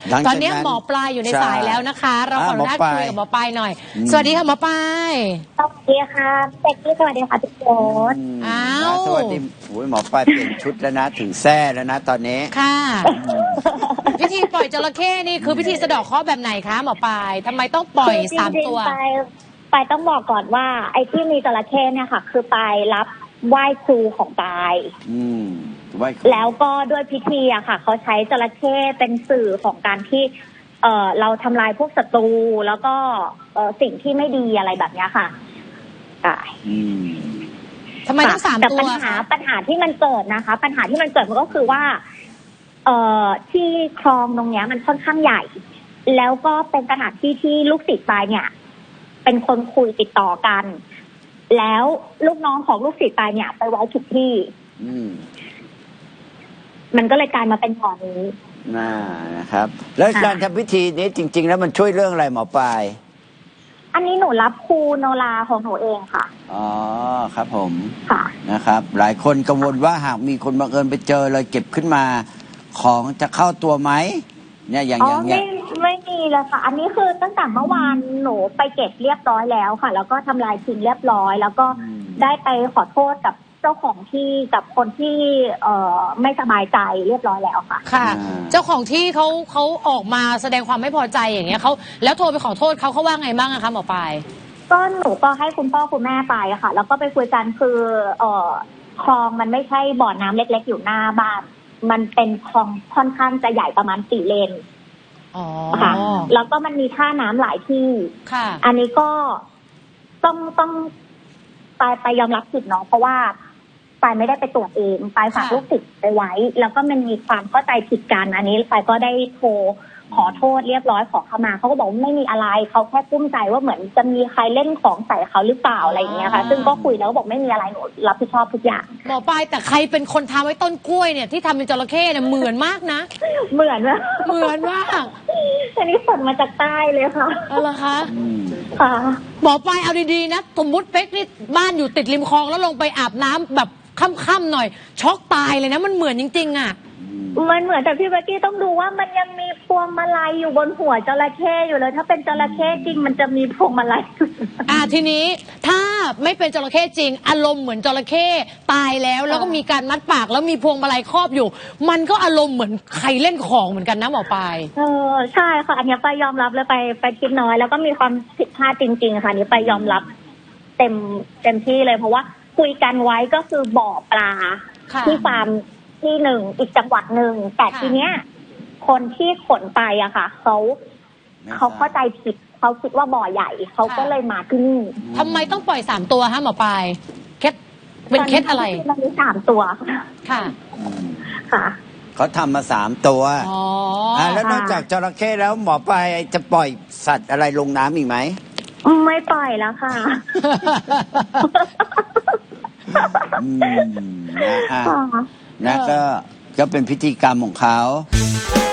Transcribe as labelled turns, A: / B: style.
A: ตอนนี้หมอปลายอยู่ในสายแล้วนะคะ เราขออนุญาตคุยกับหมอปลายหน่อย สวัสดีค่ะหมอปลาย
B: สวัสดีค่ะเป็กกี้สวัสดีค่ะพี่โจ๊ด
A: ส
C: วัสดีหมอปลายเปลี่ยนชุดแล้วนะถึงแซ่แล้วนะตอนนี้
A: ค่ะพิธีปล่อยจระเข้นี่คือพิธีสะเดาะเคราะห์แบบไหนคะหมอปลายทำไมต้องปล่อย3 ตัว
B: ไปต้องบอกก่อนว่าไอ้ที่มีจระเข้เนี่ยค่ะ คือไปรับไหว้ครูของปายแล้วก็ด้วยพิธีอะค่ะเขาใช้จระเข้เป็นสื่อของการที่เราทำลายพวกศัตรูแล้วก็สิ่งที่ไม่ดีอะไรแบบนี้ค่ะ
A: ทำไมต้อง3 ตัว
B: ปัญหาที่มันเกิดนะคะ ปัญหาที่มันเกิดมันก็คือว่าที่คลองตรงเนี้ยมันค่อนข้างใหญ่แล้วก็เป็นสถานที่ที่ลูกศิษย์ปายเนี่ยเป็นคนคุยติดต่อกันแล้วลูกน้องของลูกศิษย์ปายเนี่ยไปไว้ทุกที่มันก็เลยกลายมาเป็นบ่อนี้
C: นะครับแล้วการทำพิธีนี้จริงๆแล้วมันช่วยเรื่องอะไรหมอปลาย
B: อันนี้หนูรับครูโนราของหนูเองค่ะ
C: อ๋อครับผม
B: ค่ะ
C: นะครับหลายคนกังวลว่าหากมีคนบังเอิญไปเจอเลยเก็บขึ้นมาของจะเข้าตัวไหมเนี่ยอย่างเงี้ย
B: ไม่มีเลยค่ะอันนี้คือตั้งแต่เมื่อวานหนูไปเก็บเรียบร้อยแล้วค่ะแล้วก็ทำลายทิ้งเรียบร้อยแล้วก็ได้ไปขอโทษกับเจ้าของที่กับคนที่ไม่สบายใจเรียบร้อยแล้วค่ะ
A: ค่ะเจ้าของที่เขาออกมาแสดงความไม่พอใจอย่างเงี้ยเขาแล้วโทรไปขอโทษเขาว่าไงบ้างอะคะหมอปลาย
B: ก็หนูก็ให้คุณพ่อคุณแม่ไปอะค่ะแล้วก็ไปคุยกันคือคลองมันไม่ใช่บ่อน้ำเล็กๆอยู่หน้าบ้านมันเป็นคลองค่อนข้างจะใหญ่ประมาณ4 เลนค่ะแล้วก็มันมีท่าน้ำหลายที่
A: ค่ะ
B: อันนี้ก็ต้องไปยอมรับผิดเนาะเพราะว่าปายไม่ได้ไปตรวจเองปายฝากลูกศิษย์ไปไว้แล้วก็มันมีความเข้าใจผิดกันอันนี้ปายก็ได้โทรขอโทษเรียบร้อยขอขมาเขาก็บอกว่าไม่มีอะไรเขาแค่กุ้มใจว่าเหมือนจะมีใครเล่นของใส่เขาหรือเปล่าอะไรอย่างเงี้ยค่ะซึ่งก็คุยแล้วก็บอกไม่มีอะไรหนูรับผิดชอบทุกอย่าง
A: หมอปลายแต่ใครเป็นคนทำไว้ต้นกล้วยเนี่ยที่ทำเป็นจระเข้เนี่ยเหมือนมากนะ
B: เหมือนมากอันนี้ส่งมาจากใต้เลยค่ะ
A: อะไรคะ
B: ค่ะ
A: หมอปลายเอาดีๆนะสมมติเป๊กนี่บ้านอยู่ติดริมคลองแล้วลงไปอาบน้ำแบบค่ำๆหน่อยช็อกตายเลยนะมันเหมือนจริงๆอ่ะ
B: มันเหมือนแต่พี่เบกกี้ต้องดูว่ามันยังมีพวงมาลัยอยู่บนหัวจระเข้อยู่เลยถ้าเป็นจระเข้จริงมันจะมีพวงมาลัย
A: ทีนี้ถ้าไม่เป็นจระเข้จริงอารมณ์เหมือนจระเข้ตายแล้วก็มีการมัดปากแล้วมีพวงมาลัยครอบอยู่มันก็อารมณ์เหมือนใครเล่นของเหมือนกันนะหมอปลาย
B: ใช่ค่ะอันนี้ไปยอมรับเลยไปคิดน้อยแล้วก็มีความผิดพลาดจริงๆค่ะนี้ไปยอมรับเต็มที่เลยเพราะว่าคุยกันไว้ก็คือบ่อปลาที่ฟาร์มที่หนึ่งอีกจังหวัดหนึ่งแต่ทีเนี้ยคนที่ขนไปอะค่ะเขาเข้าใจผิดเขาคิดว่าบ่อใหญ่เขาก็เลยมาที่นี่
A: ทำไมต้องปล่อย3 ตัวฮะหมอปลายเคสเป็นเคสอะไร
B: มันมี3 ตัว
A: ค่ะ
B: ค่ะ
C: เขาทำมา3 ตัวแล้วนอกจากจระเข้แล้วหมอปลายจะปล่อยสัตว์อะไรลงน้ำอีกไหม
B: ไม่ปล่อยแล้วค่ะ
C: นะก็เป็นพิธีกรรมของเขา